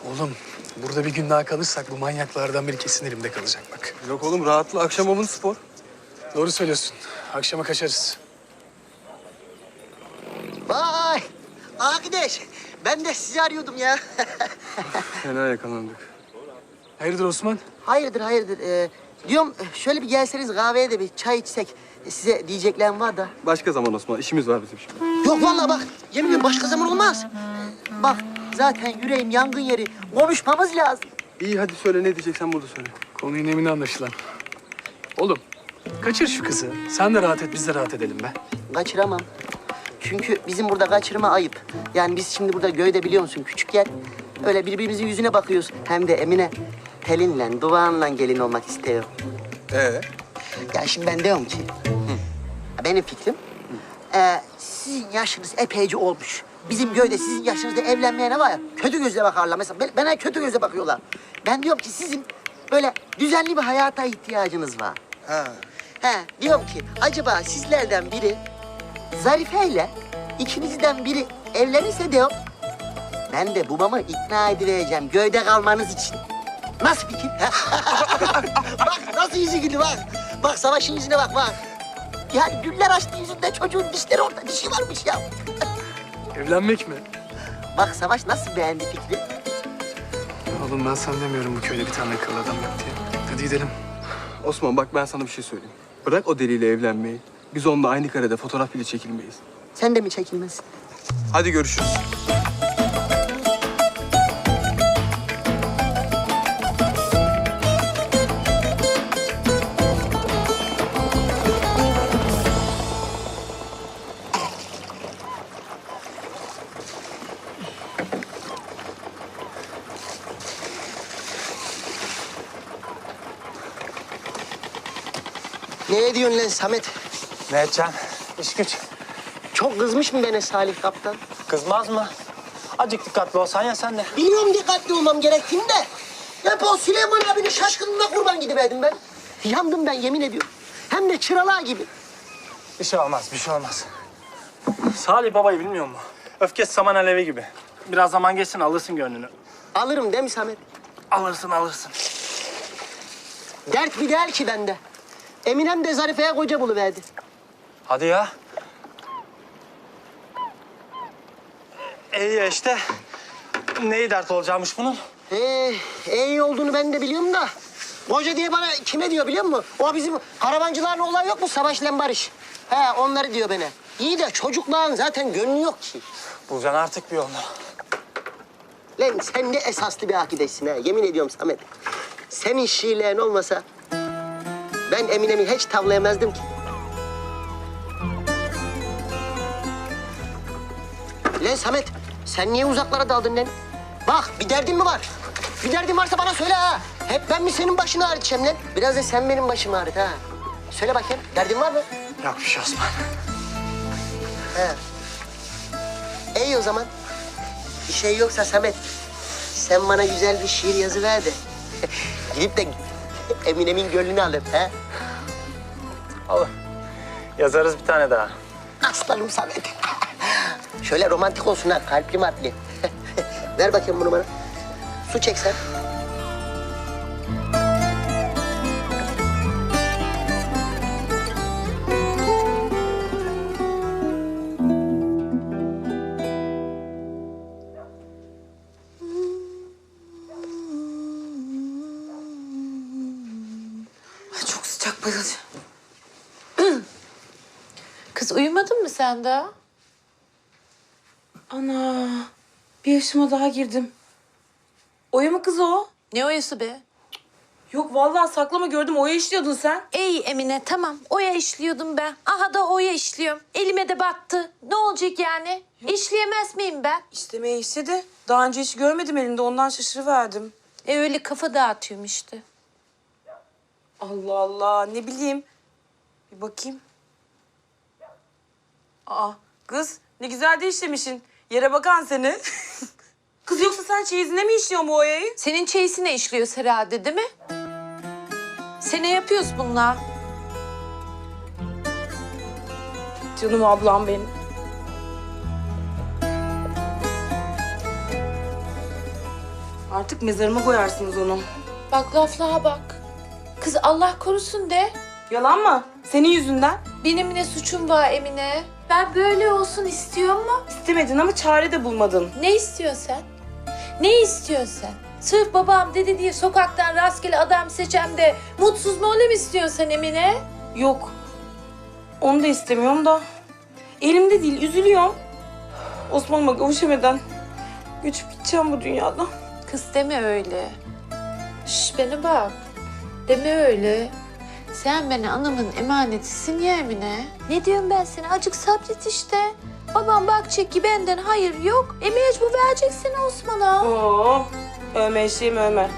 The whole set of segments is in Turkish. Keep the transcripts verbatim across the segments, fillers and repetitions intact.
Oğlum burada bir gün daha kalırsak bu manyaklardan biri kesin elimde kalacak bak. Yok oğlum rahatla. Akşam avın spor. Doğru söylüyorsun. Akşama kaçarız. Vay! Arkadaş, ben de sizi arıyordum ya. Fena yakalandık. Hayırdır Osman? hayırdır, hayırdır. Ee, diyorum, şöyle bir gelseniz kahveye de bir çay içsek. Size diyeceklerim var da. Başka zaman Osman. İşimiz var bizim şimdi. Yok vallahi bak, yemin ediyorum başka zaman olmaz. Bak, zaten yüreğim yangın yeri. Konuşmamız lazım. İyi hadi söyle ne diyeceksen burada söyle. Konunun emini anlaşılan. Oğlum kaçır şu kızı. Sen de rahat et, biz de rahat edelim be. Kaçıramam. Çünkü bizim burada kaçırma ayıp. Yani biz şimdi burada göyde biliyor musun küçük yer. Öyle birbirimizin yüzüne bakıyoruz. Hem de Emine telinle, duvağınla gelin olmak istiyor. Ee? Ya şimdi ben diyorum ki, hı. benim fikrim, e, sizin yaşınız epeyce olmuş. Bizim köyde sizin yaşınızda evlenmeyene var ya, kötü gözle bakarlar. Mesela ben- bana kötü gözle bakıyorlar. Ben diyorum ki sizin böyle düzenli bir hayata ihtiyacınız var. Ha. He, diyorum ki acaba sizlerden biri Zarife ile ikinizden biri evlenirse diyorum, ben de babamı ikna edivereceğim köyde kalmanız için. Nasıl fikir? Bak nasıl yüzü güldü bak. Bak Savaş'ın yüzüne bak bak. Yani güller açtı yüzünde çocuğun dişleri orada dişi varmış ya. Evlenmek mi? Bak Savaş nasıl beğendi fikri? Oğlum ben sana demiyorum bu köyde bir tane akıllı adam yok diye. Hadi gidelim. Osman bak ben sana bir şey söyleyeyim. Bırak o deliyle evlenmeyi. Biz onunla aynı karede fotoğraf bile çekilmeyiz. Sen de mi çekilmezsin? Hadi görüşürüz. Ne ediyorsun lan Samet? Ne edeceksin? İş güç. Çok kızmış mı bana Salih Kaptan? Kızmaz mı? Acık dikkatli olsan ya sen de. Biliyorum dikkatli olmam gerektiğini de. Hep o Süleyman abinin şaşkınlığına kurban gidiverdim ben. Yandım ben yemin ediyorum. Hem de çıralar gibi. Bir şey olmaz, bir şey olmaz. Salih babayı bilmiyor mu? Öfkesi saman alevi gibi. Biraz zaman geçsin alırsın gönlünü. Alırım değil mi Samet? Alırsın, alırsın. Dert bir değil ki bende. Eminem de Zarife'ye koca buluverdi. Hadi ya. İyi ya işte. Neyi dert olacakmış bunun? Ee, iyi olduğunu ben de biliyorum da. Koca diye bana kime diyor biliyor musun? O bizim karavancıların olay yok mu? Savaş'la Barış. He onları diyor bana. İyi de çocukların zaten gönlü yok ki. Bulacaksın artık bir yolunu. Lan sen ne esaslı bir akidesin ha. Yemin ediyorum Samet. Senin şiirlerin olmasa ben Eminem'i hiç tavlayamazdım ki. Lan Samet sen niye uzaklara daldın lan? Bak bir derdin mi var? Bir derdin varsa bana söyle ha. Hep ben mi senin başını ağrıtacağım lan? Biraz da sen benim başımı ağrıt ha. Söyle bakayım derdin var mı? Yok bir şey Osman. He. İyi o zaman. Bir şey yoksa Samet, sen bana güzel bir şiir yazıver de gidip de Eminem'in gönlünü alayım ha. Olur. Yazarız bir tane daha. Aslanım Samet. Şöyle romantik olsun ha, kalpli matli. Ver bakayım bunu bana. Su çek sen. Ay çok sıcak bayılacağım. Kız uyumadın mı sen daha? Ana bir yaşıma daha girdim. Oya mı kız o? Ne oyası be? Yok vallahi saklama gördüm oya işliyordun sen. Ey Emine tamam oya işliyordum ben. Aha da oya işliyorum. Elime de battı. Ne olacak yani? İşleyemez miyim ben? İstemeye istedi. Daha önce hiç görmedim elinde ondan şaşırıverdim. E öyle kafa dağıtıyorum işte. Allah Allah ne bileyim. Bir bakayım. Aa kız ne güzel de işlemişsin. Yere bakan seni. Kız yoksa sen çeyizine mi işliyorsun bu oyayı? Senin çeyisine işliyoruz herhalde değil mi? Sene yapıyoruz bunlar. Canım ablam benim. Artık mezarıma koyarsınız onu. Bak laflığa bak. Kız Allah korusun de. Yalan mı? Senin yüzünden. Benim ne suçum var Emine? Ben böyle olsun istiyor mu? İstemedin ama çare de bulmadın. Ne istiyorsun sen? Ne istiyorsun sen? Sırf babam dedi diye sokaktan rastgele adam seçem de mutsuz mu olayım istiyorsun sen Emine? Yok. Onu da istemiyorum da. Elimde değil, üzülüyorum. Osman'ıma kavuşamadan göçüp gideceğim bu dünyadan. Kız deme öyle. Şş bana bak. Deme öyle. Sen bana anamın emanetisin ya Emine. Ne diyorum ben sana? Acık sabret işte. Babam bakacak ki benden hayır yok. E mecbur vereceksin Osman'a. Oo, övme eşeğim övme.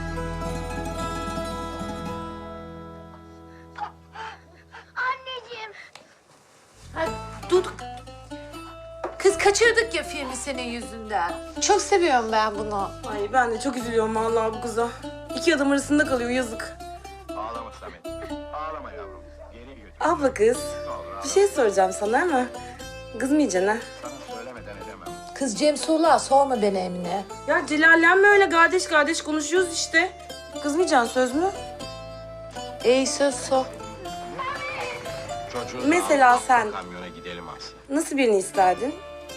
Hadi dur. Kız kaçırdık ya filmi senin yüzünden. Çok seviyorum ben bunu. Ay ben de çok üzülüyorum vallahi bu kıza. İki adam arasında kalıyor yazık. Ağlama Samet. Ağlama yavrum. Geri götür. Abla kız, bir şey soracağım sana ama kızmayacaksın ha. Sana söylemeden edemem. Kız Cem Soğuk'a sorma beni Emine. Ya celallenme öyle kardeş kardeş konuşuyoruz işte. Kızmayacaksın söz mü? İyi söz sor. Çocuğu Mesela al, sen- kamyona gidelim Aslı. Nasıl birini isterdin?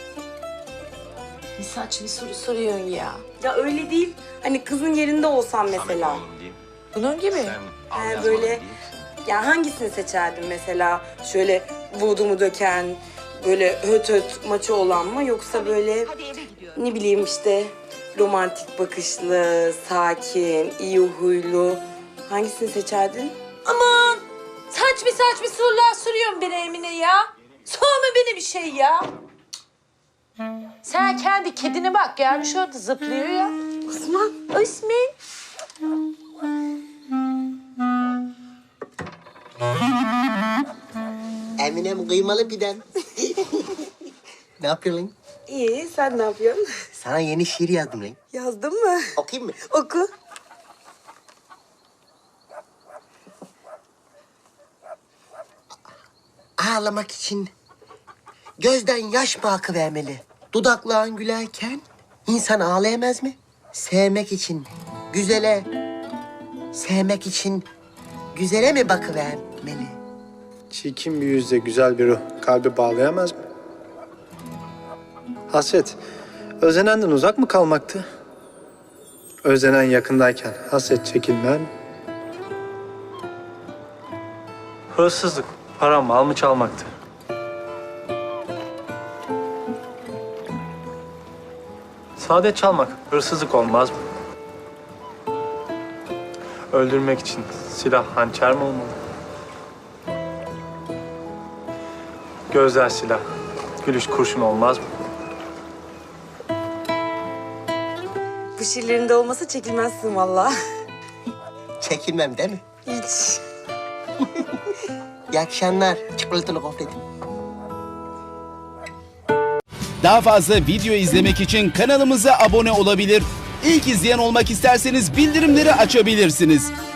Ne saçma soru soruyorsun ya. Ya öyle değil. Hani kızın yerinde olsan Samet mesela. oğlum diyeyim. Bunun gibi. Sen al He, yazmalım böyle- değil misin? Ya hangisini seçerdin mesela? Şöyle vudumu döken, böyle höt höt maçı olan mı? Yoksa böyle ne bileyim işte romantik bakışlı, sakin, iyi huylu. Hangisini seçerdin? Aman! Saçma saçma sorular soruyorsun bana Emine ya. Sorma beni bir şey ya. Sen kendi kedine bak gelmiş orada zıplıyor ya. Osman. Osman. Eminem kıymalı piden. Ne yapıyorsun lan? İyi, sen ne yapıyorsun? Sana yeni şiir yazdım lan. Yazdın mı? Okuyayım mı? Oku. Ağlamak için gözden yaş mı akıvermeli? Dudakların gülerken insan ağlayamaz mı? Sevmek için güzele, sevmek için güzele mi bakıvermeli? Çirkin bir yüzle güzel bir ruh kalbi bağlayamaz mı? Hasret, özlenenden uzak mı kalmaktı? Özlenen yakındayken hasret çekilmez mi? Hırsızlık, para mal mı çalmaktı? Saadet çalmak hırsızlık olmaz mı? Öldürmek için silah hançer mi olmalı? Gözler silah, gülüş kurşun olmaz mı? Bu şiirlerinde olmasa çekilmezsin vallahi. Çekinmem değil mi? Hiç. İyi akşamlar. Çikolatalı gofretim. Daha fazla video izlemek için kanalımıza abone olabilir. İlk izleyen olmak isterseniz bildirimleri açabilirsiniz.